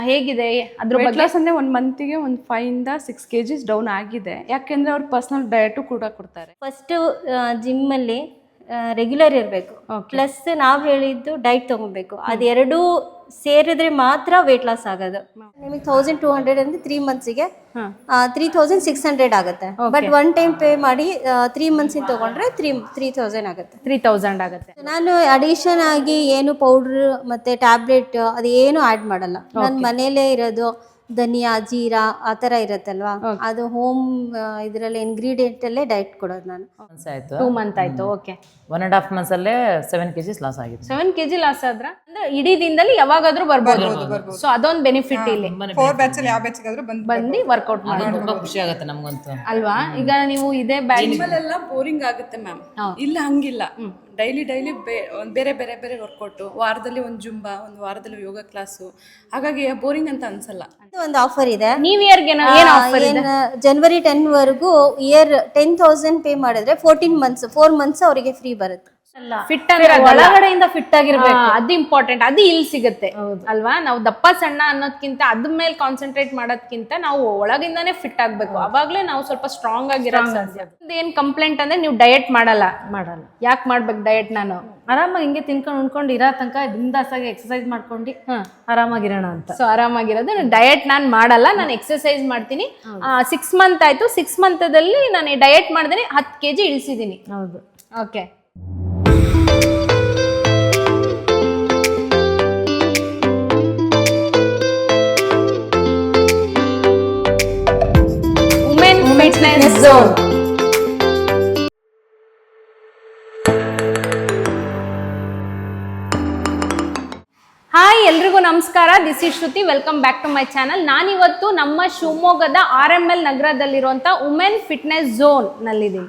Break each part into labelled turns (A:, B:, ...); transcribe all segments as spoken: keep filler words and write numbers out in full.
A: ಹೇಗಿದೆ ಅದ್ರ
B: ವೆಯ್ಟ್
A: ಬಗ್ಗೆ?
B: ಲಾಸ್ ಅಂದ್ರೆ ಒಂದು ಮಂತಿಗೆ ಒಂದು ಫೈವ್ ಇಂದ ಸಿಕ್ಸ್ ಕೆಜಿಸ್ ಡೌನ್ ಆಗಿದೆ. ಯಾಕೆಂದ್ರೆ ಅವ್ರು ಪರ್ಸನಲ್ ಡಯಟು ಕೂಡ ಕೊಡ್ತಾರೆ.
C: ಫಸ್ಟ್ ಜಿಮ್ ಅಲ್ಲಿ ರೆಗ್ಯುಲರ್ ಇರಬೇಕು, ಪ್ಲಸ್ ನಾವು ಹೇಳಿದ್ದು ಡೈಟ್ ತಗೋಬೇಕು. ಅದೆರಡೂ ಸೇರಿದ್ರೆ ಮಾತ್ರ ವೇಟ್ ಲಾಸ್ ಆಗೋದು. ನಿಮಗೆ ತೌಸಂಡ್ ಟೂ ಹಂಡ್ರೆಡ್ ಅಂದ್ರೆ ತ್ರೀ ಮಂತ್ಸಿಗೆ ತ್ರೀ ತೌಸಂಡ್ ಸಿಕ್ಸ್ ಹಂಡ್ರೆಡ್ ಆಗುತ್ತೆ. ಬಟ್ ಒನ್ ಟೈಮ್ ಪೇ ಮಾಡಿ ತ್ರೀ ಮಂತ್ಸ್ ತಗೊಂಡ್ರೆ ತ್ರೀ ತ್ರೀ ತೌಸಂಡ್ ಆಗುತ್ತೆ.
A: ತ್ರೀ ತೌಸಂಡ್ ಆಗುತ್ತೆ.
C: ನಾನು ಅಡಿಷನ್ ಆಗಿ ಏನು ಪೌಡ್ರ್ ಮತ್ತೆ ಟ್ಯಾಬ್ಲೆಟ್ ಅದೇನು ಆ್ಯಡ್ ಮಾಡಲ್ಲ. ನನ್ನ ಮನೇಲೇ ಇರೋದು ಧನಿಯಾ ಜೀರಾ ಆ ಥರ ಇರುತ್ತಲ್ವಾ, ಅದು ಹೋಮ್ ಇದರಲ್ಲಿ ಇಂಗ್ರೀಡಿಯೆಂಟ್ ಅಲ್ಲೇ ಡೈಟ್ ಕೊಡೋದು ನಾನು.
D: ಆಯ್ತು
A: ಟೂ ಮಂತ್ ಆಯ್ತು. Okay,
D: one and half months ಅಲ್ಲೇ ಸೆವೆನ್ ಕೆಜಿಸ್ ಲಾಸ್ ಆಗಿದೆ.
A: ಸೆವೆನ್ ಕೆಜಿ ಲಾಸ್ ಆದ್ರ ಅಂದ್ರೆ ಇಡೀ ದಿನದಲ್ಲಿ ಯಾವಾಗಾದ್ರೂ ಬರ್ಬೋದು. ಸೊ ಅದೊಂದು ಬೆನಿಫಿಟ್ ಇಲ್ಲಿ.
E: ಫೋರ್ ಬ್ಯಾಚ್ ಅಲ್ಲಿ ಯಾವ ಬ್ಯಾಚ್ ಆದ್ರೂ ಬಂದು
A: ಬಂದು ವರ್ಕೌಟ್ ಮಾಡಿ
D: ತುಂಬಾ ಖುಷಿ ಆಗುತ್ತೆ ನಮಗಂತೂ
A: ಅಲ್ವಾ. ಈಗ ನೀವು ಇದೇ ಬ್ಯಾಚ್
B: ಎಲ್ಲ ಬೋರಿಂಗ್ ಆಗುತ್ತೆ ಮ್ಯಾಮ್. ಇಲ್ಲ ಹಂಗಿಲ್ಲ, ಡೈಲಿ ಡೈಲಿ ಬೇರೆ ಬೇರೆ ಬೇರೆ ವರ್ಕೌಟು, ವಾರದಲ್ಲಿ ಒಂದು ಜುಂಬಾ, ಒಂದು ವಾರದಲ್ಲಿ ಯೋಗ ಕ್ಲಾಸು, ಹಾಗಾಗಿ ಬೋರಿಂಗ್ ಅಂತ ಅನ್ಸಲ್ಲ.
C: ಒಂದು ಆಫರ್ ಇದೆ.
A: ನ್ಯೂ ಇಯರ್ಗೆ ಏನ್ ಆಫರ್ ಇದೆ?
C: ಜನವರಿ ಟೆನ್ ವರೆಗೂ ಇಯರ್ ಟೆನ್ ತೌಸಂಡ್ ಪೇ ಮಾಡಿದ್ರೆ ಫೋರ್ಟೀನ್ ಮಂತ್ಸ್ ಫೋರ್ ಮಂತ್ಸ್ ಅವರಿಗೆ ಫ್ರೀ ಬರುತ್ತೆ.
A: ಫಿಟ್ ಅಂದ್ರೆ
C: ಒಳಗಡೆಯಿಂದ ಫಿಟ್ ಆಗಿರ್ಬೇಕು,
A: ಅದು ಇಂಪಾರ್ಟೆಂಟ್. ಅದು ಇಲ್ಲಿ ಸಿಗುತ್ತೆ ಅಲ್ವಾ. ನಾವು ದಪ್ಪ ಸಣ್ಣ ಅನ್ನೋದ್ಕಿಂತ ಅದ್ರ ಮೇಲೆ ಕಾನ್ಸಂಟ್ರೇಟ್ ಮಾಡೋದ್ಕಿಂತ ನಾವು ಒಳಗಿಂದಾನೇ ಫಿಟ್ ಆಗ್ಬೇಕು. ಅವಾಗ್ಲೇ ನಾವು ಸ್ವಲ್ಪ ಸ್ಟ್ರಾಂಗ್ ಆಗಿರೋದು ಸಾಧ್ಯ. ಏನ್ ಕಂಪ್ಲೇಂಟ್ ಅಂದ್ರೆ ನೀವು ಡಯಟ್ ಮಾಡಲ್ಲ ಮಾಡಲ್ಲ ಯಾಕೆ ಮಾಡ್ಬೇಕು ಡಯಟ್? ನಾನು
F: ಆರಾಮಾಗಿ ಹಿಂಗೆ ತಿನ್ಕೊಂಡು ಉಣ್ಕೊಂಡು ಇರೋ ತನಕ ಬಿಂದಾಸಾಗಿ ಎಕ್ಸರ್ಸೈಸ್ ಮಾಡ್ಕೊಂಡು ಆರಾಮಾಗಿರೋಣ ಅಂತ.
A: ಸೊ ಆರಾಮಾಗಿರೋದು. ಡಯಟ್ ನಾನು ಮಾಡಲ್ಲ, ನಾನು ಎಕ್ಸರ್ಸೈಸ್ ಮಾಡ್ತೀನಿ. ಸಿಕ್ಸ್ ಮಂತ್ ಆಯ್ತು, ಸಿಕ್ಸ್ ಮಂತದಲ್ಲಿ ನಾನು ಡಯಟ್ ಮಾಡಿದ್ರೆ ಹತ್ತು ಕೆ ಜಿ ಇಳಿಸಿದ್ದೀನಿ.
F: ಹೌದು.
A: Okay, women fitness zone. Hi, ಎಲ್ರಿಗೂ ನಮಸ್ಕಾರ. This is Shruti. Welcome back to my channel. ನಾನಿವತ್ತು ನಮ್ಮ ಶಿವಮೊಗ್ಗದ ಆರ್ ಎಂ ಎಲ್ ನಗರದಲ್ಲಿರುವಂಥ ವುಮೆನ್ ಫಿಟ್ನೆಸ್ ಝೋನ್ ನಲ್ಲಿದ್ದೀನಿ.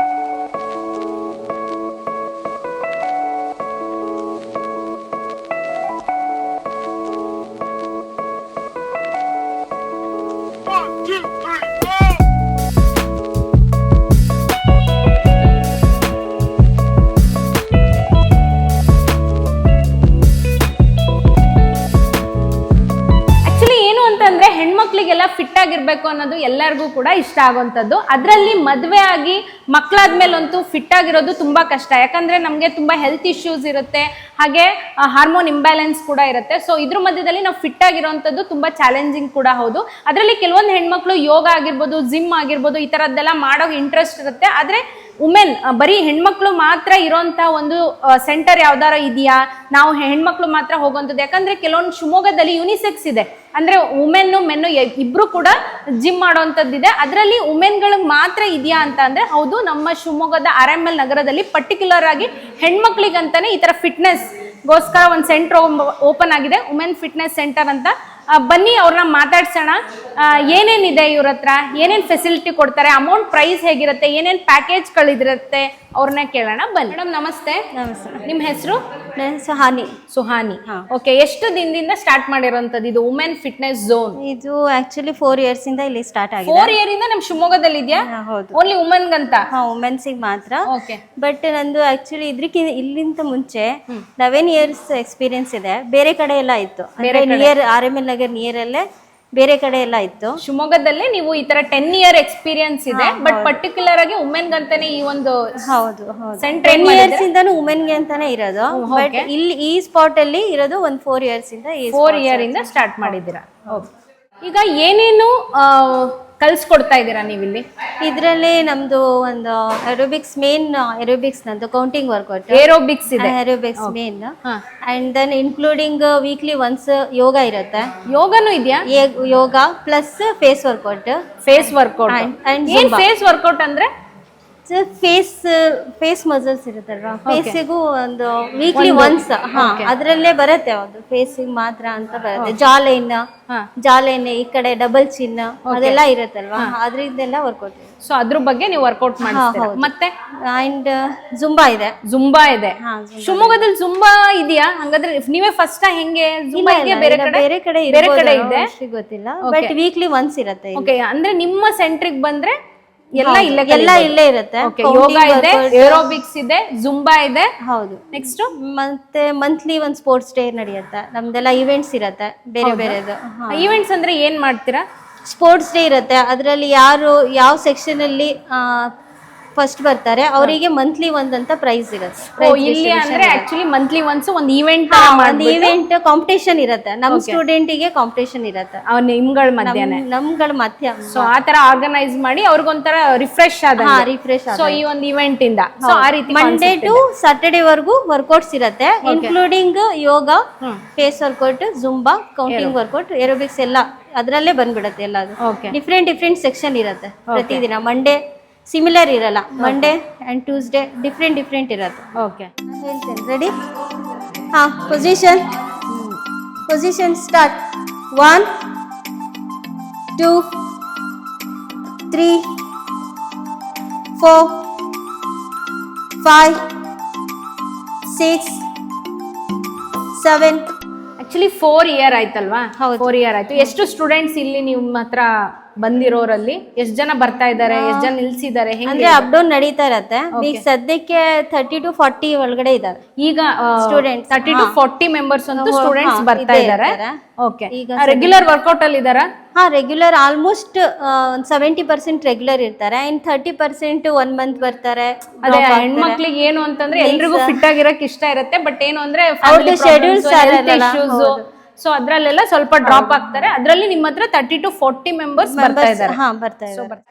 A: ಹೆಣ್ಮಕ್ಳಿಗೆಲ್ಲ ಫಿಟ್ ಆಗಿರ್ಬೇಕು ಅನ್ನೋದು ಎಲ್ಲರಿಗೂ ಕೂಡ ಇಷ್ಟ ಆಗುವಂಥದ್ದು. ಅದರಲ್ಲಿ ಮದುವೆ ಆಗಿ ಮಕ್ಕಳಾದ್ಮೇಲಂತೂ ಫಿಟ್ ಆಗಿರೋದು ತುಂಬಾ ಕಷ್ಟ. ಯಾಕಂದ್ರೆ ನಮಗೆ ತುಂಬಾ ಹೆಲ್ತ್ ಇಶ್ಯೂಸ್ ಇರುತ್ತೆ, ಹಾಗೆ ಹಾರ್ಮೋನ್ ಇಂಬ್ಯಾಲೆನ್ಸ್ ಕೂಡ ಇರುತ್ತೆ. ಸೊ ಇದ್ರ ಮಧ್ಯದಲ್ಲಿ ನಾವು ಫಿಟ್ ಆಗಿರೋವಂಥದ್ದು ತುಂಬಾ ಚಾಲೆಂಜಿಂಗ್ ಕೂಡ ಹೌದು. ಅದರಲ್ಲಿ ಕೆಲವೊಂದು ಹೆಣ್ಮಕ್ಳು ಯೋಗ ಆಗಿರ್ಬೋದು, ಜಿಮ್ ಆಗಿರ್ಬೋದು, ಈ ಥರದ್ದೆಲ್ಲ ಮಾಡೋಕೆ ಇಂಟ್ರೆಸ್ಟ್ ಇರುತ್ತೆ. ಆದರೆ ವುಮೆನ್ ಬರೀ ಹೆಣ್ಮಕ್ಳು ಮಾತ್ರ ಇರೋಂಥ ಒಂದು ಸೆಂಟರ್ ಯಾವ್ದಾರ ಇದೆಯಾ, ನಾವು ಹೆಣ್ಮಕ್ಳು ಮಾತ್ರ ಹೋಗುವಂಥದ್ದು? ಯಾಕಂದ್ರೆ ಕೆಲವೊಂದು ಶಿವಮೊಗ್ಗದಲ್ಲಿ ಯುನಿಸೆಕ್ಸ್ ಇದೆ, ಅಂದ್ರೆ ವುಮೆನ್ನು ಮೆನ್ನು ಇಬ್ರು ಕೂಡ ಜಿಮ್ ಮಾಡೋವಂಥದ್ದಿದೆ. ಅದರಲ್ಲಿ ವುಮೆನ್ಗಳಿಗೆ ಮಾತ್ರ ಇದೆಯಾ ಅಂತ ಅಂದ್ರೆ ಹೌದು. ನಮ್ಮ ಶಿವಮೊಗ್ಗದ ಆರ್ ಎಂ ಎಲ್ ನಗರದಲ್ಲಿ ಪರ್ಟಿಕ್ಯುಲರ್ ಆಗಿ ಹೆಣ್ಮಕ್ಳಿಗಂತಾನೆ ಈ ತರ ಫಿಟ್ನೆಸ್ ಗೋಸ್ಕರ ಒಂದು ಸೆಂಟರ್ ಓಪನ್ ಆಗಿದೆ, ವುಮೆನ್ ಫಿಟ್ನೆಸ್ ಸೆಂಟರ್ ಅಂತ. ಬನ್ನಿ ಅವ್ರನ್ನ ಮಾತಾಡ್ಸೋಣ. ಏನೇನಿದೆ ಇವ್ರ ಹತ್ರ, ಏನೇನು ಫೆಸಿಲಿಟಿ ಕೊಡ್ತಾರೆ, ಅಮೌಂಟ್ ಪ್ರೈಸ್ ಹೇಗಿರುತ್ತೆ, ಏನೇನು ಪ್ಯಾಕೇಜ್ಗಳಿದಿರುತ್ತೆ, ಅವ್ರನ್ನ ಕೇಳೋಣ. ಬನ್ನಿ ಮೇಡಮ್. ನಮಸ್ತೆ.
C: ನಮಸ್ತೆ.
A: ನಿಮ್ಮ ಹೆಸರು?
C: ಸುಹಾನಿ.
A: ಸುಹಾನಿ. ಓಕೆ, ಎಷ್ಟು ದಿನದಿಂದ ಸ್ಟಾರ್ಟ್ ಮಾಡಿರೋಂಥದ್ದು ಇದು ವುಮೆನ್ ಫಿಟ್ನೆಸ್ ಝೋನ್?
C: ಇದು ಆಕ್ಚುಲಿ ಫೋರ್ ಇಯರ್ಸ್ ಇಂದ ಇಲ್ಲಿ ಸ್ಟಾರ್ಟ್ ಆಗಿದೆ.
A: ಫೋರ್ ಇಯರ್ ಇಂದ ನಮ್ಮ ಶಿವಮೊಗ್ಗದಲ್ಲಿ ಇದೆಯಾ?
C: ಹೌದು.
A: ಓನ್ಲಿ ವುಮೆನ್ ಗಂತ?
C: ಹಾ, ವುಮೆನ್ಸಿಗೆ ಮಾತ್ರ.
A: ಓಕೆ.
C: ಬಟ್ ನಂದು ಆಕ್ಚುಲಿ ಇದ್ರಕ್ಕಿಂತ ಇಲ್ಲಿಂತ ಮುಂಚೆ ಲೆವೆನ್ ಇಯರ್ಸ್ ಎಕ್ಸ್ಪೀರಿಯನ್ಸ್ ಇದೆ. ಬೇರೆ ಕಡೆ ಎಲ್ಲ ಇತ್ತು, near R M L Nagar near ಅಲ್ಲೇ ಬೇರೆ ಕಡೆ ಎಲ್ಲ ಇತ್ತು.
A: ಶಿವಮೊಗ್ಗದಲ್ಲೇ ನೀವು ಈ ತರ ಟೆನ್ ಇಯರ್ ಎಕ್ಸ್ಪೀರಿಯನ್ಸ್ ಇದೆ, ಬಟ್ ಪರ್ಟಿಕ್ಯುಲರ್ ಆಗಿ ವುಮೆನ್ ಗಂತಾನೆ ಈ ಒಂದು
C: ಹೌದು
A: ಸೆಂಟರ್
C: ಟೆನ್ ಇಯರ್ಸ್ ಇಂದಾನು ವುಮೆನ್ ಗೆ ಅಂತಾನೆ ಇರೋದು. ಬಟ್ ಇಲ್ಲಿ ಈ ಸ್ಪಾಟ್ ಅಲ್ಲಿ ಇರೋದು ಒಂದ್ ಫೋರ್ ಇಯರ್ಸ್ ಇಂದ
A: ಫೋರ್ ಇಯರ್ ಇಂದ ಸ್ಟಾರ್ಟ್ ಮಾಡಿದ್ದೀರಾ. ಈಗ ಏನೇನು ಕಲ್ಸ್ಕೊಡ್ತಾ ಇದ್ದೀರಾ ನೀವಿಲ್ಲಿ?
C: ಇದರಲ್ಲಿ ನಮ್ದು ಒಂದು ಏರೋಬಿಕ್ಸ್ ಮೇನ್ ಏರೋಬಿಕ್ಸ್ ನಂದು ಕೌಂಟಿಂಗ್ ವರ್ಕೌಟ್
A: ಏರೋಬಿಕ್ಸ್ ಇದೆ.
C: Aerobics main and then including weekly once yoga ಇರುತ್ತೆ.
A: ಯೋಗನೂ ಇದೆಯಾ?
C: Yoga plus face workout.
A: Face workout and face workout ಅಂದ್ರೆ
C: ಫೇಸ್ ಫೇಸ್ ಮಸಲ್ಸ್ ಇರುತ್ತಲ್ವಾ, ಫೇಸಿಗೂ ಒಂದು ವೀಕ್ಲಿ ಒನ್ಸ್. ಹಾ, ಅದ್ರಲ್ಲೇ ಬರುತ್ತೆ, ಒಂದು ಫೇಸಿಗೆ ಮಾತ್ರ ಅಂತ ಬರುತ್ತೆ. ಜಾ ಲೈನ್, ಜಾ ಲೈನ್ ಈ ಕಡೆ ಡಬಲ್ ಚಿನ್ನ ಅದೆಲ್ಲ ಇರುತ್ತಲ್ವಾ, ಅದ್ರಿಂದೆಲ್ಲ ವರ್ಕೌಟ್.
A: ಸೊ ಅದ್ರ ಬಗ್ಗೆ ನೀವು ವರ್ಕೌಟ್ ಮಾಡ್ತೀರಾ. ಮತ್ತೆ
C: ಅಂಡ್ ಜುಂಬಾ ಇದೆ.
A: ಜುಂಬಾ ಇದೆ. ಶಿವಮೊಗ್ಗದಲ್ಲಿ ಜುಂಬಾ ಇದೆಯಾ? ಹಂಗಾದ್ರೆ ನೀವೇ ಫಸ್ಟ್ ಹೆಂಗೆ? ಜುಂಬಾ ಇದೆಯಾ ಬೇರೆ ಕಡೆ?
C: ಬೇರೆ ಕಡೆ
A: ಬೇರೆ ಕಡೆ ಇದೆ,
C: ಗೊತ್ತಿಲ್ಲ. ಬಟ್ ವೀಕ್ಲಿ ಒನ್ಸ್ ಇರುತ್ತೆ.
A: ಓಕೆ, ಅಂದ್ರೆ ನಿಮ್ಮ ಸೆಂಟ್ರಿಗೆ ಬಂದ್ರೆ ಎಲ್ಲ ಇಲ್ಲೇ
C: ಎಲ್ಲ ಇಲ್ಲೇ ಇರುತ್ತೆ.
A: ಯೋಗ ಇದೆ, ಏರೋಬಿಕ್ಸ್ ಇದೆ, ಜುಂಬಾ ಇದೆ.
C: ಹೌದು.
A: ನೆಕ್ಸ್ಟ್
C: ಮತ್ತೆ ಮಂತ್ಲಿ ಒಂದು ಸ್ಪೋರ್ಟ್ಸ್ ಡೇ ನಡೆಯುತ್ತೆ, ನಮ್ದೆಲ್ಲ ಇವೆಂಟ್ಸ್ ಇರುತ್ತೆ ಬೇರೆ ಬೇರೆದು.
A: ಈವೆಂಟ್ಸ್ ಅಂದ್ರೆ ಏನ್ ಮಾಡ್ತೀರಾ?
C: ಸ್ಪೋರ್ಟ್ಸ್ ಡೇ ಇರುತ್ತೆ, ಅದರಲ್ಲಿ ಯಾರು ಯಾವ ಸೆಕ್ಷನ್ ಅಲ್ಲಿ ಫಸ್ಟ್ ಬರ್ತಾರೆ ಅವರಿಗೆ ಮಂತ್ಲಿ ಒಂದಂತ ಪ್ರೈಸ್ ಇರುತ್ತೆ.
A: ಓ, ಇಲ್ಲಿ ಅಂದ್ರೆ ಆಕ್ಚುಲಿ ಮಂತ್ಲಿ ಒನ್ಸ್ ಒಂದು ಈವೆಂಟ್
C: ಒಂದು ಈವೆಂಟ್ ಕಾಂಪಿಟೇಷನ್ ಇರುತ್ತೆ, ನಮ್ ಸ್ಟೂಡೆಂಟ್ ಗೆ ಕಾಂಪಿಟೇಷನ್ ಇರುತ್ತೆ
A: ಅವ್ರ ನಿಮ್ಗಳ ಮಧ್ಯಾಹ್ನ.
C: ನಮ್ಗಳ ಮಧ್ಯ
A: ಸೊ ಆ ತರ ಆರ್ಗನೈಸ್ ಮಾಡಿ ಅವ್ರಿಗೊಂಥರ ರಿಫ್ರೆಶ್ ಆದ
C: ರಿಫ್ರೆಶ್.
A: ಸೊ ಈ ಒಂದು ಇವೆಂಟ್ ಇಂದ ಸೊ ಆ ರೀತಿ
C: ಮಂಡೇ ಟು ಸಾಟರ್ಡೇ ವರ್ಗು ವರ್ಕೌಟ್ಸ್ ಇರುತ್ತೆ, including yoga, face workout, Zumba, counting workout, aerobics ಎಲ್ಲ ಅದರಲ್ಲೇ ಬಂದ್ಬಿಡುತ್ತೆ. ಎಲ್ಲ ಡಿಫ್ರೆಂಟ್ ಡಿಫ್ರೆಂಟ್ ಸೆಕ್ಷನ್ ಇರುತ್ತೆ ಪ್ರತಿದಿನ. ಮಂಡೇ ಸಿಮಿಲರ್ ಇರಲ್ಲ, Monday and Tuesday different different ಇರುತ್ತೆ.
A: ಓಕೆ,
C: ಹೇಳ್ತೇನೆ. ರೆಡಿ? ಹಾಂ, position position start. One two three four five six seven.
A: Actually four year ಆಯ್ತಲ್ವಾ? ಫೋರ್ ಇಯರ್ ಆಯ್ತು. ಎಷ್ಟು ಸ್ಟೂಡೆಂಟ್ಸ್ ಇಲ್ಲಿ ನಿಮ್ಮ ಹತ್ರ ಬಂದಿರೋರಲ್ಲಿ ಎಷ್ಟು ಜನ ಬರ್ತಾ ಇದ್ದಾರೆ, ಎಷ್ಟು ಜನ ನಿಲ್ಸಿದ್ದಾರೆ?
C: ಅಂದ್ರೆ ಅಪ್ ಡೌನ್ ನಡೀತಾ ಇರತ್ತೆ. ಈಗ ಸದ್ಯಕ್ಕೆ ತರ್ಟಿ ಟು ಫಾರ್ಟಿ ಒಳಗಡೆ ಇದ್ದಾರೆ
A: ಈಗ students. Thirty to forty members ಅಂತೂ ಸ್ಟೂಡೆಂಟ್ಸ್ ಬರ್ತಾ ಇದ್ದಾರೆ. ಓಕೆ, ರೆಗ್ಯುಲರ್ ವರ್ಕೌಟ್ ಅಲ್ಲಿ ಇದಾರಾ?
C: ಹಾ, ರೆಗ್ಯುಲರ್ ಆಲ್ಮೋಸ್ಟ್ ಒಂದು ಸೆವೆಂಟಿ ಪರ್ಸೆಂಟ್ ರೆಗ್ಯುಲರ್ ಇರ್ತಾರೆ, in thirty percent one month ಬರ್ತಾರೆ.
A: ಅದೇ ಹೆಣ್ಮಕ್ಳಿಗೆ ಏನು ಅಂತಂದ್ರೆ ಎಲ್ರಿಗೂ ಫಿಟ್ ಆಗಿರಕ್ ಇಷ್ಟ ಇರುತ್ತೆ, ಬಟ್ ಏನು ಅಂದ್ರೆ
C: ಶೆಡ್ಯೂಲ್ಸ್
A: ಇಶ್ಯೂಸ್, ಸೊ ಅದ್ರಲ್ಲೆಲ್ಲ ಸ್ವಲ್ಪ ಡ್ರಾಪ್ ಆಗ್ತಾರೆ. ಅದ್ರಲ್ಲಿ ನಿಮ್ಮ ಹತ್ರ ತರ್ಟಿ ಟು ಫೋರ್ಟಿ ಮೆಂಬರ್ಸ್ ಬರ್ತಾ ಇದ್ದಾರೆ.
C: ಹಾ, ಬರ್ತಾ ಇದ್ದಾರೆ.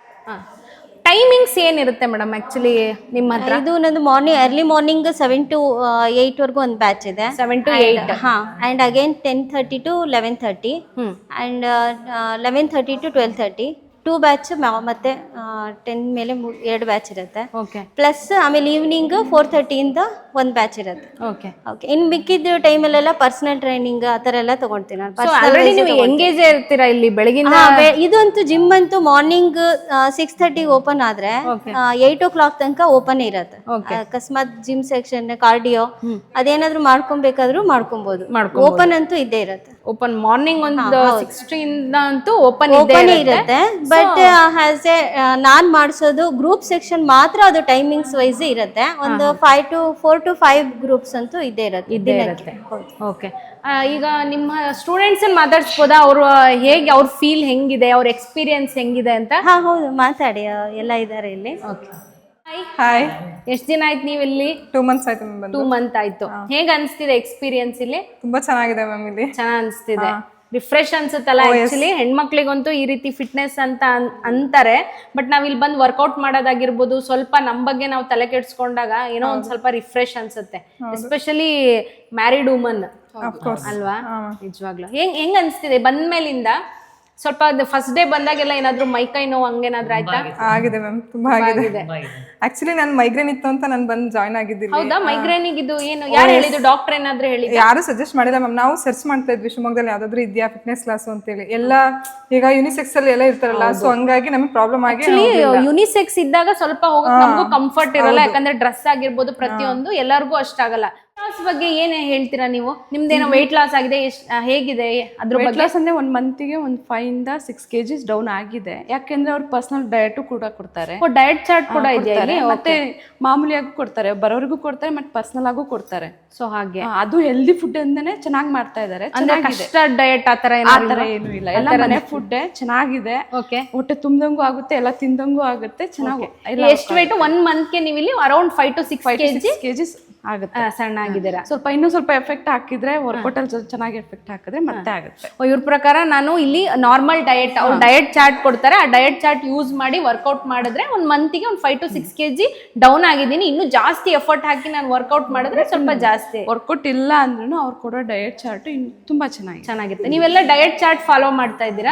A: ಟೈಮಿಂಗ್ಸ್ ಏನಿರುತ್ತೆ ಮೇಡಮ್ ಆಕ್ಚುಲಿ ನಿಮ್ಮ ಹತ್ರ?
C: ಇದು ನಂದು morning early morning seven to eight ವರ್ಗು ಒಂದು ಬ್ಯಾಚ್ ಇದೆ.
A: ಸೆವೆನ್ ಟು ಏಟ್
C: ಹಾ, and again ten thirty to eleven thirty and eleven thirty to twelve thirty two batch. ಮತ್ತೆ ಟೆನ್ ಮೇಲೆ ಎರಡು ಬ್ಯಾಚ್ ಇರುತ್ತೆ.
A: ಓಕೆ,
C: ಪ್ಲಸ್ ಆಮೇಲೆ ಈವ್ನಿಂಗ್ ಫೋರ್ ಥರ್ಟಿಯಿಂದ ಒಂದು ಬ್ಯಾಚ್ ಇರುತ್ತೆ.
A: ಓಕೆ
C: ಓಕೆ ಇನ್ನು ಮಿಕ್ಕಿದ ಟೈಮಲ್ಲೆಲ್ಲ ಪರ್ಸನಲ್ ಟ್ರೈನಿಂಗ್ ಆ ಥರ ಎಲ್ಲ ತಗೊಳ್ತೀನಿ ನಾನು.
A: ಆಲ್ರೆಡಿ ನೀವು ಎಂಗೇಜ್ ಇರ್ತೀರಾ ಇಲ್ಲಿ ಬೆಳಗಿನ?
C: ಇದಂತೂ ಜಿಮ್ ಅಂತೂ ಮಾರ್ನಿಂಗ್ ಸಿಕ್ಸ್ ಥರ್ಟಿಗೆ ಓಪನ್ ಆದ್ರೆ ಏಟ್ ಓ ಕ್ಲಾಕ್ ತನಕ ಓಪನ್ ಇರುತ್ತೆ. ಅಕಸ್ಮಾತ್ ಜಿಮ್ ಸೆಕ್ಷನ್ ಕಾರ್ಡಿಯೋ ಅದೇನಾದ್ರು ಮಾಡ್ಕೊಬೇಕಾದ್ರೂ ಮಾಡ್ಕೊಬಹುದು. ಓಪನ್ ಅಂತೂ ಇದ್ದೇ ಇರುತ್ತೆ.
A: ಓಪನ್ ಮಾರ್ನಿಂಗ್ ಒಂದು ಸಿಕ್ಸ್ಟಿಂದ ಅಂತೂ ಓಪನ್
C: ಓಪನ್ ಇರುತ್ತೆ. ಬಟ್ ಹ್ಯಾಸ್ ಎ ನಾನ್ ಮಾಡಿಸೋದು ಗ್ರೂಪ್ ಸೆಕ್ಷನ್ ಮಾತ್ರ, ಅದು ಟೈಮಿಂಗ್ಸ್ ವೈಸ್ ಇರುತ್ತೆ. ಒಂದು five to four to five groups ಅಂತೂ ಇದ್ದೇ ಇರುತ್ತೆ.
A: ಇದ್ದೇ ಇರುತ್ತೆ. ಓಕೆ, ಈಗ ನಿಮ್ಮ ಸ್ಟೂಡೆಂಟ್ಸ್ ಮಾತಾಡ್ಸ್ಬೋದಾ? ಅವರು ಹೇಗೆ, ಅವ್ರ ಫೀಲ್ ಹೆಂಗಿದೆ, ಅವ್ರ ಎಕ್ಸ್ಪೀರಿಯನ್ಸ್ ಹೆಂಗಿದೆ ಅಂತ?
C: ಹಾ, ಹೌದು, ಮಾತಾಡಿ, ಎಲ್ಲ ಇದ್ದಾರೆ ಇಲ್ಲಿ.
A: Okay,
E: hi.
A: ಎಷ್ಟು ದಿನ ಆಯ್ತು ನೀವು ಇಲ್ಲಿ?
E: ಟೂ ಮಂತ್ಸ್ ಆಯ್ತು ಮ್ಯಾಮ್ ಬಂದು.
A: ಟೂ ಮಂತ್ ಆಯ್ತು. ಹೇಗೆ ಅನಿಸ್ತಿದೆ ಎಕ್ಸ್ಪೀರಿಯನ್ಸ್ ಇಲ್ಲಿ?
E: ತುಂಬಾ ಚೆನ್ನಾಗಿದೆ ಮ್ಯಾಮ್ ಇಲ್ಲಿ.
A: ಚೆನ್ನಾಗಿ ಅನಿಸ್ತಿದೆ, ರಿಫ್ರೆಶ್ ಅನ್ಸುತ್ತಲ್ಲ. ಆಕ್ಚುಲಿ ಹೆಣ್ಮಕ್ಳಿಗಂತೂ ಈ ರೀತಿ ಫಿಟ್ನೆಸ್ ಅಂತ ಅಂತಾರೆ, ಬಟ್ ನಾವ್ ಇಲ್ಲಿ ಬಂದು ವರ್ಕೌಟ್ ಮಾಡೋದಾಗಿರ್ಬೋದು, ಸ್ವಲ್ಪ ನಮ್ ಬಗ್ಗೆ ನಾವು ತಲೆ ಕೆಡ್ಸ್ಕೊಂಡಾಗ ಏನೋ ಒಂದ್ ಸ್ವಲ್ಪ ರಿಫ್ರೆಶ್ ಅನ್ಸುತ್ತೆ. ಎಸ್ಪೆಷಲಿ ಮ್ಯಾರಿಡ್ ವುಮನ್ ಅಲ್ವಾ? ನಿಜವಾಗ್ಲು ಹೆಂಗ್ ಹೆಂಗ್ ಅನ್ಸ್ತಿದೆ ಬಂದ್ಮೇಲಿಂದ? ಸ್ವಲ್ಪ ಫಸ್ಟ್ ಡೇ ಬಂದಾಗೆಲ್ಲ ಏನಾದ್ರು ಮೈಕೈ ನೋವು ಹಂಗೇನಾದ್ರು ಆಯ್ತಾ?
E: ಆಗಿದೆ ಮ್ಯಾಮ್, ತುಂಬಾ ಆಗಿದೆ. ಆಕ್ಚುಲಿ ನಾನು ಮೈಗ್ರೇನ್ ಇತ್ತು ಅಂತ ನಾನು ಬಂದು ಜಾಯ್ನ್ ಆಗಿದ್ದೀನಿ.
A: ಹೌದಾ? ಮೈಗ್ರೇನಿಗ್ ಇದು ಏನು ಯಾರು ಹೇಳಿದ್ರು? ಡಾಕ್ಟರ್ ಏನಾದ್ರು ಹೇಳಿದ್ರು?
E: ಯಾರು ಸಜೆಸ್ಟ್ ಮಾಡಿಲ್ಲ ಮ್ಯಾಮ್. ನಾವು ಸರ್ಚ್ ಮಾಡ್ತಾ ಇದ್ವಿ ಶಿವಮೊಗ್ಗದಲ್ಲಿ ಯಾವ್ದಾದ್ರು ಇದೆಯಾ ಫಿಟ್ನೆಸ್ ಕ್ಲಾಸ್ ಅಂತೇಳಿ. ಎಲ್ಲ ಈಗ ಯುನಿಸೆಕ್ಸ್ ಅಲ್ಲಿ ಎಲ್ಲ ಇರ್ತಾರಲ್ಲ, ಸೊ ಹಂಗಾಗಿ ನಮಗೆ ಪ್ರಾಬ್ಲಮ್ ಆಗಿ
A: ಯುನಿಸೆಕ್ಸ್ ಇದ್ದಾಗ ಸ್ವಲ್ಪ ಹೋಗಕ್ ನಮಗೂ ಕಂಫರ್ಟ್ ಇರಲ್ಲ, ಯಾಕಂದ್ರೆ ಡ್ರೆಸ್ ಆಗಿರ್ಬೋದು ಪ್ರತಿಯೊಂದು ಎಲ್ಲರಿಗೂ ಅಷ್ಟಾಗಲ್ಲ. ಲಾಸ್ ಬಗ್ಗೆ ಏನ್ ಹೇಳ್ತೀರಾ ನೀವು? ನಿಮ್ದೇನೋ ವೆಯ್ಟ್ ಲಾಸ್ ಆಗಿದೆ, ಹೇಗಿದೆ ಅದ್ರ ಬಗ್ಗೆ?
B: ಲಾಸ್ ಅಂದ್ರೆ ಒಂದ್ ಮಂತಿಗೆ ಒಂದ್ ಫೈವ್ ಇಂದ ಸಿಕ್ಸ್ ಕೆಜಿಸ್ ಡೌನ್ ಆಗಿದೆ. ಯಾಕೆಂದ್ರೆ ಅವ್ರು ಪರ್ಸನಲ್ ಡಯಟ್ ಕೂಡ ಕೊಡ್ತಾರೆ,
A: ಡಯಟ್ ಚಾರ್ಟ್ ಕೂಡ ಇದೆ,
B: ಮತ್ತೆ ಮಾಮೂಲಿಯಾಗೂ ಕೊಡ್ತಾರೆ, ಬರೋರಿಗೂ ಕೊಡ್ತಾರೆ, ಮತ್ತೆ ಪರ್ಸನಲ್ ಆಗೂ ಕೊಡ್ತಾರೆ.
A: ಸೊ ಹಾಗೆ
B: ಅದು ಹೆಲ್ದಿ ಫುಡ್ ಅಂತಾನೆ ಚೆನ್ನಾಗಿ ಮಾಡ್ತಾ ಇದಾರೆ.
A: ಕಷ್ಟ ಡಯಟ್ ಆತರ
B: ಆತರ ಏನು ಇಲ್ಲ, ಎಲ್ಲ ಮನೆ ಫುಡ್ ಚೆನ್ನಾಗಿದೆ. ಹೊಟ್ಟೆ ತುಂಬ್ದಂಗೂ ಆಗುತ್ತೆ, ಎಲ್ಲ ತಿಂದಂಗೂ ಆಗುತ್ತೆ, ಚೆನ್ನಾಗಿ.
A: ಎಷ್ಟು ವೇಟ್ ಒಂದ್ ಮಂತ್ ಗೆ ನೀವು ಇಲ್ಲಿ around five to six
B: KGs ಆಗುತ್ತೆ.
A: ಸಣ್ಣ ಆಗಿದ್ದೀರಾ.
B: ಸ್ವಲ್ಪ ಇನ್ನೂ ಸ್ವಲ್ಪ ಎಫೆಕ್ಟ್ ಹಾಕಿದ್ರೆ, ವರ್ಕೌಟ್ ಅಲ್ಲಿ ಚೆನ್ನಾಗಿ ಎಫೆಕ್ಟ್ ಹಾಕಿದ್ರೆ ಮತ್ತೆ ಆಗುತ್ತೆ.
A: ಇವ್ರ ಪ್ರಕಾರ ನಾನು ಇಲ್ಲಿ ನಾರ್ಮಲ್ ಡಯಟ್, ಅವ್ರು ಡಯಟ್ ಚಾರ್ಟ್ ಕೊಡ್ತಾರೆ, ಆ ಡಯಟ್ ಚಾರ್ಟ್ ಯೂಸ್ ಮಾಡಿ ವರ್ಕೌಟ್ ಮಾಡಿದ್ರೆ ಒಂದ್ ಮಂತಿಗೆ ಒಂದ್ five to six KG down ಆಗಿದ್ದೀನಿ. ಇನ್ನು ಜಾಸ್ತಿ ಎಫರ್ಟ್ ಹಾಕಿ ನಾನು ವರ್ಕೌಟ್ ಮಾಡಿದ್ರೆ ಸ್ವಲ್ಪ ಜಾಸ್ತಿ.
B: ವರ್ಕೌಟ್ ಇಲ್ಲ ಅಂದ್ರೂ ಅವ್ರು ಕೊಡೋ ಡಯಟ್ ಚಾರ್ಟ್ ತುಂಬಾ ಚೆನ್ನಾಗಿ
A: ಚೆನ್ನಾಗಿರುತ್ತೆ. ನೀವೆಲ್ಲ ಡಯಟ್ ಚಾರ್ಟ್ ಫಾಲೋ ಮಾಡ್ತಾ ಇದ್ದೀರಾ?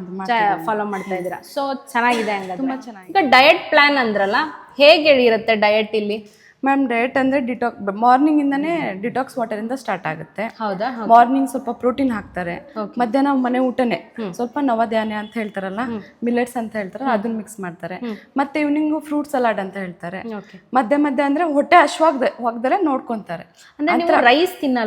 A: ಫಾಲೋ ಮಾಡ್ತಾ ಇದ್ದೀರಾ, ಸೊ ಚೆನ್ನಾಗಿದೆ. ಹಂಗ ತುಂಬಾ ಚೆನ್ನಾಗಿ. ಈಗ ಡಯಟ್ ಪ್ಲಾನ್ ಅಂದ್ರಲ್ಲ, ಹೇಗೆ ಇರುತ್ತೆ ಡಯಟ್ ಇಲ್ಲಿ?
B: ಮ್ಯಾಮ್ ಡಯಟ್ ಅಂದರೆ ಡಿಟಾಕ್ ಮಾರ್ನಿಂಗ್ ಇಂದಾನೇ ಡಿಟಾಕ್ಸ್ ವಾಟರ್ ಇಂದ ಸ್ಟಾರ್ಟ್ ಆಗುತ್ತೆ.
A: ಹೌದಾ?
B: ಮಾರ್ನಿಂಗ್ ಸ್ವಲ್ಪ ಪ್ರೋಟೀನ್ ಹಾಕ್ತಾರೆ, ಮಧ್ಯಾಹ್ನ ಮನೆ ಊಟನೇ ಸ್ವಲ್ಪ ನವಧಾನ್ಯ ಅಂತ ಹೇಳ್ತಾರಲ್ಲ, ಮಿಲೆಟ್ಸ್ ಅಂತ ಹೇಳ್ತಾರೆ, ಅದನ್ನ ಮಿಕ್ಸ್ ಮಾಡ್ತಾರೆ. ಮತ್ತೆ ಈವ್ನಿಂಗ್ ಫ್ರೂಟ್ ಸಲಾಡ್ ಅಂತ ಹೇಳ್ತಾರೆ. ಮಧ್ಯ ಮಧ್ಯ ಅಂದ್ರೆ ಹೊಟ್ಟೆ ಹಶ್ವಾಗ್ದೆ ಹೋಗ್ದಲೆ ನೋಡ್ಕೊಂತಾರೆ.
A: ಅಂದ್ರೆ ನೀವು ರೈಸ್ ತಿನ್ನಲ್ವಾ?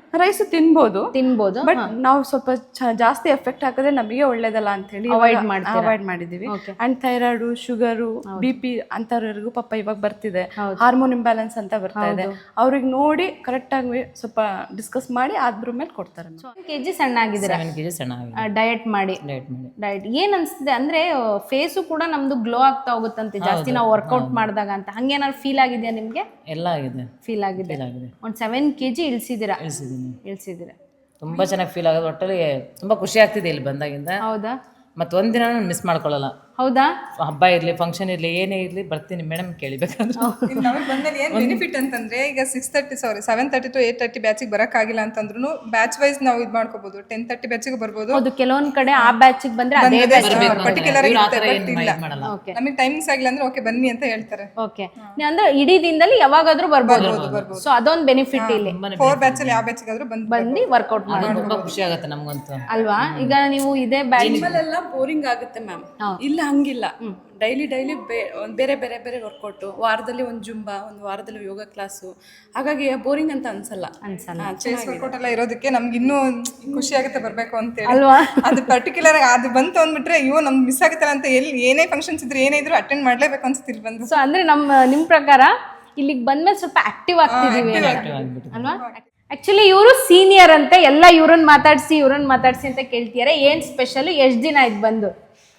B: ರೈಸ್ ತಿನ್ಬೋದು
A: ತಿನ್ಬೋದು
B: ಬಟ್ ನಾವು ಸ್ವಲ್ಪ ಚ- ಜಾಸ್ತಿ ಎಫೆಕ್ಟ್ ಹಾಕಿದ್ರೆ ನಮಗೆ ಒಳ್ಳೇದಲ್ಲ ಅಂತ ಹೇಳಿ
A: Avoid ಮಾಡ್ತೀರಾ?
B: ಅವಾಯ್ಡ್ ಮಾಡಿದೀವಿ. And thyroid, sugar, B P ಅಂತವ್ರಿಗೂ ಪಾಪ ಇವಾಗ ಬರ್ತಿದೆ, ಹಾರ್ಮೋನ್ ಇಂಬ್ಯಾಲೆನ್ಸ್ ಅಂತ ಬರ್ತಾ ಇದೆ. ಅವ್ರಿಗೆ ನೋಡಿ ಕರೆಕ್ಟ್ ಆಗಿ ಸ್ವಲ್ಪ ಡಿಸ್ಕಸ್ ಮಾಡಿ ಅದ್ರ ಮೇಲೆ ಕೊಡ್ತಾರೆ.
A: ಕೆಜಿ ಸಣ್ಣ ಆಗಿದ್ದೀರಾ
D: ಸೆವೆನ್ ಕೆ ಜಿ ಸಣ್ಣ ಆಗಿದೆ
A: ಡಯಟ್ ಮಾಡಿ
D: ಡಯಟ್ ಮಾಡಿ.
A: ಡಯಟ್ ಏನ್ ಅನ್ಸುತ್ತೆ ಅಂದ್ರೆ ಫೇಸು ಕೂಡ ನಮ್ದು ಗ್ಲೋ ಆಗ್ತಾ ಹೋಗುತ್ತಂತೆ ಜಾಸ್ತಿ ನಾವು ವರ್ಕೌಟ್ ಮಾಡಿದಾಗ ಅಂತ. ಹಂಗೇನಾದ್ರು ಫೀಲ್ ಆಗಿದೆಯಾ ನಿಮ್ಗೆ?
D: ಎಲ್ಲ ಆಗಿದೆ,
A: ಫೀಲ್ ಆಗಿದೆ.
D: ಫೀಲ್ ಆಗಿದೆ.
A: ಒಂದ್ ಸೆವೆನ್ ಕೆಜಿ ಇಳಿಸಿದ್ದೀರಾ?
D: ಇಳಿಸಿದ್ದೀನಿ.
A: ಇಳಿಸಿದ್ದೀರಾ?
D: ತುಂಬ ಚೆನ್ನಾಗಿ ಫೀಲ್ ಆಗೋದು. ಒಟ್ಟಲ್ಲಿ ತುಂಬ ಖುಷಿ ಆಗ್ತಿದೆ ಇಲ್ಲಿ ಬಂದಾಗಿಂದ.
A: ಹೌದಾ?
D: ಮತ್ತು ಒಂದಿನ ನಾನು ಮಿಸ್ ಮಾಡ್ಕೊಳ್ಳಲ್ಲ.
A: ಹೌದಾ?
D: ಹಬ್ಬ ಇರಲಿ, ಫಂಕ್ಷನ್ ಇರಲಿ, ಏನೇ ಇರಲಿ ಬರ್ತೀನಿ ಮೇಡಮ್ ಕೇಳಿಬೇಕಾದ್ರೆ.
E: ನಮಗೆ ಬಂದಲ್ಲಿ ಏನು ಬೆನಿಫಿಟ್ ಅಂತಂದ್ರೆ ಈಗ six thirty sorry seven thirty to eight thirty ಬ್ಯಾಚಿಗೆ ಬರೋಕ್ಕಾಗಿಲ್ಲ ಅಂತಂದ್ರೂ ಬ್ಯಾಚ್ ವೈಸ್ ನಾವು ಇದು ಮಾಡ್ಕೋಬಹುದು. ಟೆನ್ ತರ್ಟಿ ಬ್ಯಾಚಿಗೆ ಬರ್ಬೋದು.
A: ಹೌದು, ಕೆಲವೊಂದ್ ಕಡೆ ಆ ಬ್ಯಾಚಿಗೆ ಬಂದ್ರೆ ಅದೇ
E: ಪರ್ಟಿಕ್ಯುಲರ್ ಇರುತ್ತೆ, ಬಟ್ ಇಲ್ಲ
D: ಮಾಡಲ್ಲ.
E: ನಮಗೆ ಟೈಮಿಂಗ್ಸ್ ಆಗಿಲ್ಲ ಅಂದ್ರೆ ಓಕೆ ಬನ್ನಿ ಅಂತ ಹೇಳ್ತಾರೆ.
A: ಓಕೆ, ಅಂದ್ರೆ ಇಡೀ ದಿನದಲ್ಲಿ ಯಾವಾಗಾದ್ರೂ ಬರ್ಬೋದು. ಸೊ ಅದೊಂದು ಬೆನಿಫಿಟ್ ಇಲ್ಲಿ.
E: ಫೋರ್ ಬ್ಯಾಚ್ ಅಲ್ಲಿ ಯಾವ ಬ್ಯಾಚಿಗಾದ್ರೂ ಬಂದು
A: ಬಂದು ವರ್ಕೌಟ್ ಮಾಡಿ
D: ಅದು ತುಂಬ ಖುಷಿ ಆಗುತ್ತೆ ನಮಗಂತೂ
A: ಅಲ್ವಾ? ಈಗ ನೀವು ಇದೇ ಬ್ಯಾಚ್
B: ಎಲ್ಲ ಬೋರಿಂಗ್ ಆಗುತ್ತೆ ಮ್ಯಾಮ್. ಇಲ್ಲ ಹಂಗಿಲ್ಲ, ಡೈಲಿ ಡೈಲಿ ಬೇರೆ ಬೇರೆ ಬೇರೆ ವರ್ಕೌಟು, ವಾರದಲ್ಲಿ ಒಂದು ಜುಂಬಾ, ಒಂದು ವಾರದಲ್ಲಿ ಯೋಗ ಕ್ಲಾಸು. ಹಾಗಾಗಿ ಬೋರಿಂಗ್ ಅಂತ ಅನ್ಸಲ್ಲ
A: ಅನ್ಸಲ್ಲ.
E: ಚೇಸ್ ವರ್ಕೌಟ್ ಎಲ್ಲ ಇರೋದಕ್ಕೆ ನಮ್ಗೆ ಇನ್ನೂ ಖುಷಿ ಆಗುತ್ತೆ ಬರ್ಬೇಕು ಅಂತೇಳಿ
A: ಅಲ್ವಾ?
E: ಅದು ಪರ್ಟಿಕ್ಯುಲರ್ ಅದು ಬಂತು ಅಂದ್ಬಿಟ್ರೆ ಅಯ್ಯೋ ನಮ್ಗೆ ಮಿಸ್ ಆಗುತ್ತಲ್ಲ ಅಂತ ಎಲ್ಲಿ ಏನೇ ಫಂಕ್ಷನ್ಸ್ ಇದ್ರೆ ಏನೇ ಇದ್ರು ಅಟೆಂಡ್ ಮಾಡ್ಲೇಬೇಕು ಅನ್ಸುತ್ತೆ ಇಲ್ಲಿ ಬಂದು.
A: ಸೊ ಅಂದ್ರೆ ನಮ್ಮ ನಿಮ್ ಪ್ರಕಾರ ಇಲ್ಲಿಗೆ ಬಂದ್ಮೇಲೆ ಸ್ವಲ್ಪ ಆಕ್ಟಿವ್ ಆಗ್ತಿದೀವಿ ಅಲ್ವಾ? ಆಕ್ಚುಲಿ ಇವರು ಸೀನಿಯರ್ ಅಂತೆ, ಎಲ್ಲ ಇವ್ರನ್ನ ಮಾತಾಡ್ಸಿ ಇವ್ರನ್ನ ಮಾತಾಡ್ಸಿ ಅಂತ ಕೇಳ್ತಿದ್ದಾರೆ. ಏನ್ ಸ್ಪೆಷಲ್? ಎಷ್ಟ್ ದಿನ ಆಯ್ತು ಬಂದು?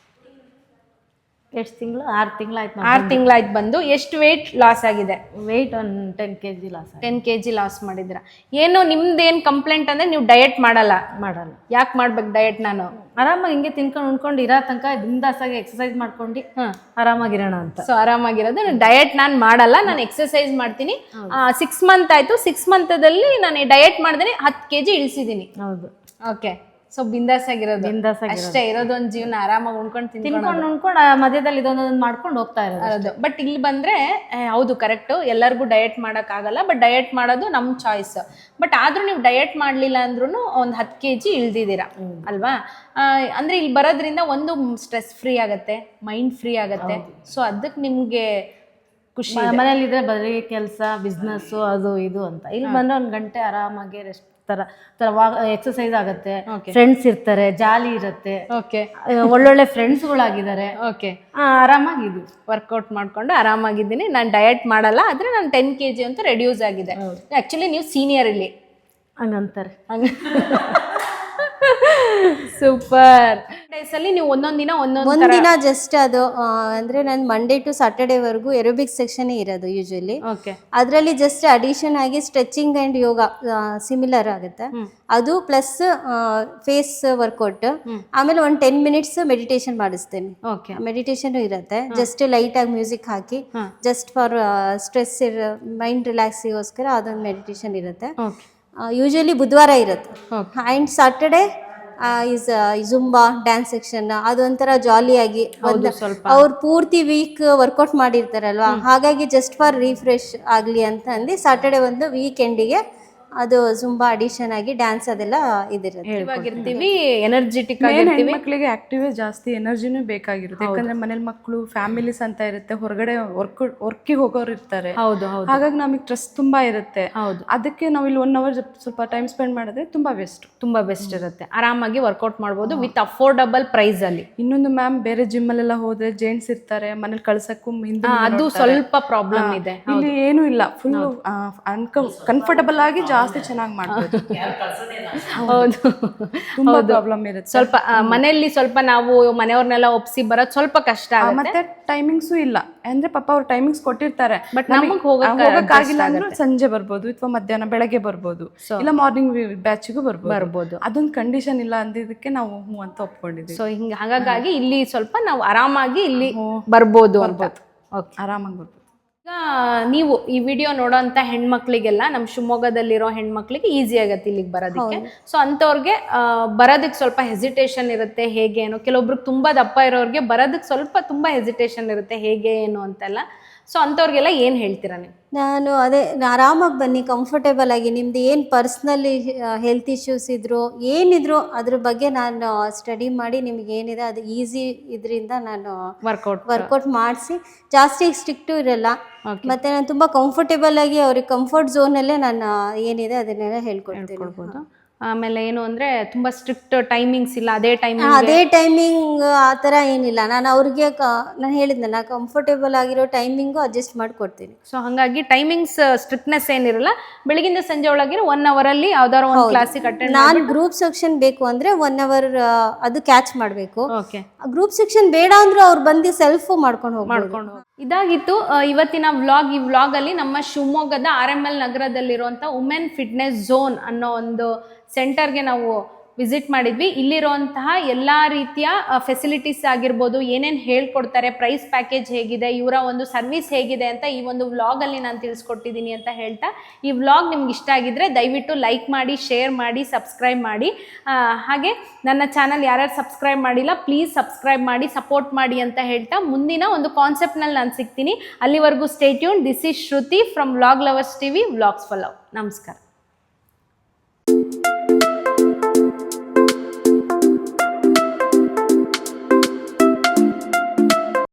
F: ಎಷ್ಟು ತಿಂಗಳು? ಆರು ತಿಂಗಳಾಯ್ತು.
A: ಆರು ತಿಂಗಳಾಯ್ತು ಬಂದು. ಎಷ್ಟು ವೇಟ್ ಲಾಸ್ ಆಗಿದೆ?
F: ವೆಯ್ಟ್ ಒಂದು ten K G loss
A: ten K G loss ಮಾಡಿದ್ರ. ಏನು ನಿಮ್ದೇನು ಕಂಪ್ಲೇಂಟ್ ಅಂದ್ರೆ ನೀವು ಡಯಟ್ ಮಾಡಲ್ಲ?
F: ಮಾಡಲ್ಲ.
A: ಯಾಕೆ ಮಾಡ್ಬೇಕು ಡಯಟ್? ನಾನು
F: ಆರಾಮಾಗಿ ಹಿಂಗೆ ತಿನ್ಕೊಂಡು ಉಣ್ಕೊಂಡು ಇರೋ ತನಕ ಬಿಂದಾಸಾಗಿ ಎಕ್ಸಸೈಸ್ ಮಾಡ್ಕೊಂಡು ಆರಾಮಾಗಿರೋಣ ಅಂತ.
A: ಸೊ ಆರಾಮಾಗಿರೋದು. ಡಯಟ್ ನಾನು ಮಾಡಲ್ಲ, ನಾನು ಎಕ್ಸಸೈಸ್ ಮಾಡ್ತೀನಿ. ಸಿಕ್ಸ್ ಮಂತ್ ಆಯ್ತು, ಸಿಕ್ಸ್ ಮಂತದಲ್ಲಿ ನಾನು ಡಯಟ್ ಮಾಡಿದ್ರೆ ಹತ್ತು ಕೆ ಜಿ ಇಳಿಸಿದ್ದೀನಿ.
F: ಹೌದು.
A: ಓಕೆ, ಸೊ ಬಿಂದಾಸ್ ಆಗಿರೋದು.
F: ಬಿಂದಾಸ್ ಆಗಿರೋದು.
A: ಅಷ್ಟೇ ಇರೋದು ಒಂದು ಜೀವನ, ಆರಾಮಾಗಿ ಉಣ್ಕೊಂಡು
F: ತಿನ್ಕೊಂಡು ಉಣ್ಕೊಂಡು ಮಧ್ಯದಲ್ಲಿ ಇದೊಂದೊಂದು ಮಾಡ್ಕೊಂಡು ಹೋಗ್ತಾ ಇರೋದು.
A: ಬಟ್ ಇಲ್ಲಿ ಬಂದ್ರೆ ಹೌದು ಕರೆಕ್ಟು, ಎಲ್ಲರಿಗೂ ಡಯಟ್ ಮಾಡೋಕ್ಕಾಗಲ್ಲ. ಬಟ್ ಡಯಟ್ ಮಾಡೋದು ನಮ್ಮ ಚಾಯ್ಸ್. ಬಟ್ ಆದ್ರೂ ನೀವು ಡಯಟ್ ಮಾಡಲಿಲ್ಲ ಅಂದ್ರೂ ಒಂದು ಹತ್ತು ಕೆ ಜಿ ಇಳ್ದಿದ್ದೀರಾ ಅಲ್ವಾ? ಅಂದ್ರೆ ಇಲ್ಲಿ ಬರೋದ್ರಿಂದ ಒಂದು ಸ್ಟ್ರೆಸ್ ಫ್ರೀ ಆಗುತ್ತೆ, ಮೈಂಡ್ ಫ್ರೀ ಆಗುತ್ತೆ. ಸೊ ಅದಕ್ಕೆ ನಿಮ್ಗೆ ಖುಷಿ.
F: ಮನೇಲಿದ್ರೆ ಬರೀ ಕೆಲಸ, ಬಿಸ್ನೆಸ್ಸು, ಅದು ಇದು ಅಂತ. ಇಲ್ಲಿ ಬಂದ್ರೆ ಒಂದು ಗಂಟೆ ಆರಾಮಾಗಿ ರೆಸ್ಟ್ ತರ ತರ ಎಕ್ಸಸೈಸ್ ಆಗುತ್ತೆ, ಫ್ರೆಂಡ್ಸ್ ಇರ್ತಾರೆ, ಜಾಲಿ ಇರುತ್ತೆ,
A: ಓಕೆ,
F: ಒಳ್ಳೊಳ್ಳೆ ಫ್ರೆಂಡ್ಸ್ಗಳಾಗಿದ್ದಾರೆ.
A: ಓಕೆ,
F: ಆರಾಮಾಗಿದ್ವಿ,
A: ವರ್ಕೌಟ್ ಮಾಡ್ಕೊಂಡು ಆರಾಮಾಗಿದ್ದೀನಿ. ನಾನು ಡಯಟ್ ಮಾಡಲ್ಲ, ಆದ್ರೆ ನಾನು ಟೆನ್ ಕೆ ಜಿ ಅಂತ ರೆಡ್ಯೂಸ್ ಆಗಿದೆ. ಆಕ್ಚುಲಿ ನೀವು ಸೀನಿಯರ್ ಇಲ್ಲಿ
F: ಹಂಗಂತಾರೆ.
A: ಸೂಪರ್. ಡೇಸ್ ಅಲ್ಲಿ ನೀವು ಒಂದೊಂದ್ ದಿನ ಒಂದೊಂದ್
C: ಒಂದಿನ ಜಸ್ಟ್ ಅದು ಆ, ಅಂದ್ರೆ ನಾನು ಮಂಡೇ ಟು ಸಾಟರ್ಡೇವರೆಗೂ ಎರೋಬಿಕ್ ಸೆಕ್ಷನ್ ಇರೋದು ಯೂಶಲಿ.
A: ಓಕೆ,
C: ಅದರಲ್ಲಿ ಜಸ್ಟ್ ಅಡಿಷನ್ ಆಗಿ ಸ್ಟ್ರೆಚಿಂಗ್ ಆ್ಯಂಡ್ ಯೋಗ ಸಿಮಿಲರ್ ಆಗುತ್ತೆ. ಅದು ಪ್ಲಸ್ ಫೇಸ್ ವರ್ಕೌಟ್, ಆಮೇಲೆ ಒಂದು ಟೆನ್ ಮಿನಿಟ್ಸ್ ಮೆಡಿಟೇಷನ್ ಮಾಡಿಸ್ತೇನೆ.
A: ಓಕೆ,
C: ಮೆಡಿಟೇಷನ್ ಇರುತ್ತೆ. ಜಸ್ಟ್ ಲೈಟ್ ಆಗಿ ಮ್ಯೂಸಿಕ್ ಹಾಕಿ ಜಸ್ಟ್ ಫಾರ್ ಸ್ಟ್ರೆಸ್ ಮೈಂಡ್ ರಿಲ್ಯಾಕ್ಸಿಗೋಸ್ಕರ ಅದೊಂದು ಮೆಡಿಟೇಷನ್ ಇರುತ್ತೆ.
A: ಓಕೆ,
C: ಯೂಶಲಿ ಬುಧವಾರ ಇರುತ್ತೆ. And Saturday is Zumba dance section. ಅದೊಂಥರ ಜಾಲಿಯಾಗಿ ಅವ್ರು ಪೂರ್ತಿ ವೀಕ್ ವರ್ಕೌಟ್ ಮಾಡಿರ್ತಾರಲ್ವಾ, ಹಾಗಾಗಿ ಜಸ್ಟ್ ಫಾರ್ ರಿಫ್ರೆಶ್ ಆಗಲಿ ಅಂತ ಅಂದು ಸಾಟರ್ಡೆ ಒಂದು ವೀಕೆಂಡಿಗೆ ಅದು ಜುಂಬಾ ಅಡಿಷನ್ ಆಗಿ ಡ್ಯಾನ್ಸ್ ಅದೆಲ್ಲ ಇದಿರುತ್ತೆ.
A: ಇವಾಗಿರ್ತೀವಿ, ಎನರ್ಜೆಟಿಕ್ ಆಗಿರ್ತೀವಿ.
B: ಮಕ್ಕಳಿಗೆ ಆಕ್ಟಿವ್ ಜಾಸ್ತಿ ಎನರ್ಜಿನೂ ಬೇಕಾಗಿರುತ್ತೆ. ಯಾಕಂದ್ರೆ ಮನೇಲಿ ಮಕ್ಕಳು ಫ್ಯಾಮಿಲೀಸ್ ಅಂತ ಇರುತ್ತೆ, ಹೊರಗಡೆ ವರ್ಕ್ ವರ್ಕಿಗೆ ಹೋಗೋರು ಇರ್ತಾರೆ.
A: ಹೌದು ಹೌದು.
B: ಹಾಗಾಗಿ ನಮಗೆ ಸ್ಟ್ರೆಸ್ ತುಂಬಾ ಇರುತ್ತೆ.
A: ಹೌದು.
B: ಅದಕ್ಕೆ ನಾವು ಇಲ್ಲಿ ಒನ್ ಅವರ್ ಸ್ವಲ್ಪ ಟೈಮ್ ಸ್ಪೆಂಡ್ ಮಾಡಿದ್ರೆ ತುಂಬಾ ಬೆಸ್ಟ್.
A: ತುಂಬಾ ಬೆಸ್ಟ್ ಇರುತ್ತೆ. ಆರಾಮಾಗಿ ವರ್ಕೌಟ್ ಮಾಡ್ಬೋದು ವಿತ್ ಅಫೋರ್ಡಬಲ್ ಪ್ರೈಸ್ ಅಲ್ಲಿ.
B: ಇನ್ನೊಂದು ಮ್ಯಾಮ್, ಬೇರೆ ಜಿಮ್ ಅಲ್ಲೆಲ್ಲ ಹೋದ್ರೆ ಜೆಂಟ್ಸ್ ಇರ್ತಾರೆ, ಮನೇಲಿ ಕಳ್ಸಕ್ಕೂ ಹಿಂದೆ
A: ಅದು ಸ್ವಲ್ಪ ಪ್ರಾಬ್ಲಮ್ ಇದೆ.
B: ಇಲ್ಲಿ ಏನು ಇಲ್ಲ, ಫುಲ್ ಕಂಫರ್ಟಬಲ್ ಆಗಿ ಜಾಸ್ತಿ ಚೆನ್ನಾಗಿ ಮಾಡ್ಬೋದು.
A: ಹೌದು,
B: ತುಂಬಾ ಪ್ರಾಬ್ಲಮ್ ಇರುತ್ತೆ.
A: ಸ್ವಲ್ಪ ಮನೆಯಲ್ಲಿ ಸ್ವಲ್ಪ ನಾವು ಮನೆಯವ್ರನ್ನೆಲ್ಲ ಒಪ್ಸಿ ಬರೋದು ಸ್ವಲ್ಪ ಕಷ್ಟ ಆಗುತ್ತೆ.
B: ಮತ್ತೆ ಟೈಮಿಂಗ್ಸು ಇಲ್ಲ ಅಂದ್ರೆ ಪಾಪ ಅವ್ರು ಟೈಮಿಂಗ್ಸ್ ಕೊಟ್ಟಿರ್ತಾರೆ,
A: ಬಟ್ ನಮಗೆ
B: ಹೋಗಕ್ಕಾಗಿಲ್ಲ ಅಂದ್ರೆ ಸಂಜೆ ಬರ್ಬೋದು, ಅಥವಾ ಮಧ್ಯಾಹ್ನ ಬೆಳಗ್ಗೆ ಬರ್ಬೋದು, ಇಲ್ಲ ಮಾರ್ನಿಂಗ್ ಬ್ಯಾಚಿಗೂ ಬರ್ಬೋದು
A: ಬರ್ಬೋದು.
B: ಅದೊಂದು ಕಂಡೀಷನ್ ಇಲ್ಲ ಅಂದಿದ್ದಕ್ಕೆ ನಾವು ಹ್ಞೂ ಅಂತ ಒಪ್ಕೊಂಡಿದ್ದೀವಿ.
A: ಸೊ ಹಿಂಗ ಹಾಗಾಗಿ ಇಲ್ಲಿ ಸ್ವಲ್ಪ ನಾವು ಆರಾಮಾಗಿ ಇಲ್ಲಿ ಬರ್ಬೋದು ಅಂತ. ಓಕೆ,
B: ಆರಾಮಾಗಿ ಬರ್ಬೋದು.
A: ಈಗ ನೀವು ಈ ವಿಡಿಯೋ ನೋಡೋಂಥ ಹೆಣ್ಮಕ್ಳಿಗೆಲ್ಲ ನಮ್ಮ ಶಿವಮೊಗ್ಗದಲ್ಲಿರೋ ಹೆಣ್ಮಕ್ಳಿಗೆ ಈಸಿ ಆಗುತ್ತೆ ಇಲ್ಲಿಗೆ ಬರೋದಕ್ಕೆ. ಸೊ ಅಂಥವ್ರಿಗೆ ಬರೋದಕ್ಕೆ ಸ್ವಲ್ಪ ಹೆಸಿಟೇಷನ್ ಇರುತ್ತೆ, ಹೇಗೆ ಏನು. ಕೆಲವೊಬ್ರಿಗೆ ತುಂಬ ದಪ್ಪ ಇರೋರಿಗೆ ಬರೋದಕ್ಕೆ ಸ್ವಲ್ಪ ತುಂಬ ಹೆಸಿಟೇಷನ್ ಇರುತ್ತೆ, ಹೇಗೆ ಏನು ಅಂತೆಲ್ಲ. ಸೊ ಅಂಥವ್ರಿಗೆಲ್ಲ ಏನು ಹೇಳ್ತೀರಾ ನೀವು?
C: ನಾನು ಅದೇ ಆರಾಮಾಗಿ ಬನ್ನಿ, ಕಂಫರ್ಟೇಬಲ್ ಆಗಿ, ನಿಮ್ದು ಏನು ಪರ್ಸ್ನಲಿ ಹೆಲ್ತ್ ಇಶ್ಯೂಸ್ ಇದ್ರು ಏನಿದ್ರು ಅದ್ರ ಬಗ್ಗೆ ನಾನು ಸ್ಟಡಿ ಮಾಡಿ ನಿಮ್ಗೆ ಏನಿದೆ ಅದು ಈಸಿ ಇದರಿಂದ ನಾನು
A: ವರ್ಕೌಟ್
C: ವರ್ಕೌಟ್ ಮಾಡಿಸಿ, ಜಾಸ್ತಿ ಸ್ಟ್ರಿಕ್ಟು ಇರಲ್ಲ. ಮತ್ತು ನಾನು ತುಂಬ ಕಂಫರ್ಟೇಬಲ್ ಆಗಿ ಅವ್ರಿಗೆ ಕಂಫರ್ಟ್ ಝೋನಲ್ಲೇ ನಾನು ಏನಿದೆ ಅದನ್ನೆಲ್ಲ ಹೇಳ್ಕೊಡ್ತೀನಿ.
A: ಆಮೇಲೆ ಏನು ಅಂದರೆ ತುಂಬ ಸ್ಟ್ರಿಕ್ಟ್ ಟೈಮಿಂಗ್ಸ್ ಇಲ್ಲ, ಅದೇ ಟೈಮಿಂಗ್
C: ಅದೇ ಟೈಮಿಂಗ್ ಆ ಥರ ಏನಿಲ್ಲ. ನಾನು ಅವ್ರಿಗೆ ಕ ನಾನು ಹೇಳಿದ್ನಲ್ಲ ಕಂಫರ್ಟೇಬಲ್ ಆಗಿರೋ ಟೈಮಿಂಗು ಅಡ್ಜಸ್ಟ್ ಮಾಡಿಕೊಡ್ತೀನಿ.
A: ಸೊ ಹಾಗಾಗಿ ಟೈಮಿಂಗ್ಸ್ ಸ್ಟ್ರಿಕ್ಟ್ನೆಸ್ ಏನಿರಲ್ಲ, ಬೆಳಗಿಂದ ಸಂಜೆ ಒಳಗಿರೋ ಒನ್ ಅವರಲ್ಲಿ ಯಾವ್ದಾದ್ರು ಒಂದು ಕ್ಲಾಸಿಗೆ ಅಟೆಂಡ್.
C: ನಾನು ಗ್ರೂಪ್ ಸೆಕ್ಷನ್ ಬೇಕು ಅಂದರೆ ಒನ್ ಅವರ್ ಅದು ಕ್ಯಾಚ್ ಮಾಡಬೇಕು.
A: ಓಕೆ,
C: ಗ್ರೂಪ್ ಸೆಕ್ಷನ್ ಬೇಡ ಅಂದ್ರೂ ಅವ್ರು ಬಂದು ಸೆಲ್ಫ್ ಮಾಡ್ಕೊಂಡು ಹೋಗಿ
A: ಮಾಡ್ಕೊಂಡು ಇದಾಗಿತ್ತು ಇವತ್ತಿನ ವ್ಲಾಗ್. ಈ ವ್ಲಾಗಲ್ಲಿ ನಮ್ಮ ಶಿವಮೊಗ್ಗದ ಆರ್ ಎಮ್ ಎಲ್ ನಗರದಲ್ಲಿರುವಂಥ ವುಮೆನ್ ಫಿಟ್ನೆಸ್ ಝೋನ್ ಅನ್ನೋ ಒಂದು ಸೆಂಟರ್ಗೆ ನಾವು ವಿಸಿಟ್ ಮಾಡಿದ್ವಿ. ಇಲ್ಲಿರುವಂತಹ ಎಲ್ಲ ರೀತಿಯ ಫೆಸಿಲಿಟೀಸ್ ಆಗಿರ್ಬೋದು, ಏನೇನು ಹೇಳ್ಕೊಡ್ತಾರೆ, ಪ್ರೈಸ್ ಪ್ಯಾಕೇಜ್ ಹೇಗಿದೆ, ಇವರ ಒಂದು ಸರ್ವಿಸ್ ಹೇಗಿದೆ ಅಂತ ಈ ಒಂದು ವ್ಲಾಗಲ್ಲಿ ನಾನು ತಿಳಿಸ್ಕೊಟ್ಟಿದ್ದೀನಿ ಅಂತ ಹೇಳ್ತಾ, ಈ ವ್ಲಾಗ್ ನಿಮ್ಗೆ ಇಷ್ಟ ಆಗಿದ್ರೆ ದಯವಿಟ್ಟು ಲೈಕ್ ಮಾಡಿ, ಶೇರ್ ಮಾಡಿ, ಸಬ್ಸ್ಕ್ರೈಬ್ ಮಾಡಿ. ಹಾಗೆ ನನ್ನ ಚಾನಲ್ ಯಾರ್ಯಾರು ಸಬ್ಸ್ಕ್ರೈಬ್ ಮಾಡಿಲ್ಲ ಪ್ಲೀಸ್ ಸಬ್ಸ್ಕ್ರೈಬ್ ಮಾಡಿ, ಸಪೋರ್ಟ್ ಮಾಡಿ ಅಂತ ಹೇಳ್ತಾ ಮುಂದಿನ ಒಂದು ಕಾನ್ಸೆಪ್ಟ್ನಲ್ಲಿ ನಾನು ಸಿಗ್ತೀನಿ. ಅಲ್ಲಿವರೆಗೂ stay tune. This is Shruti from vlog lovers TV, vlogs for love. ನಮಸ್ಕಾರ.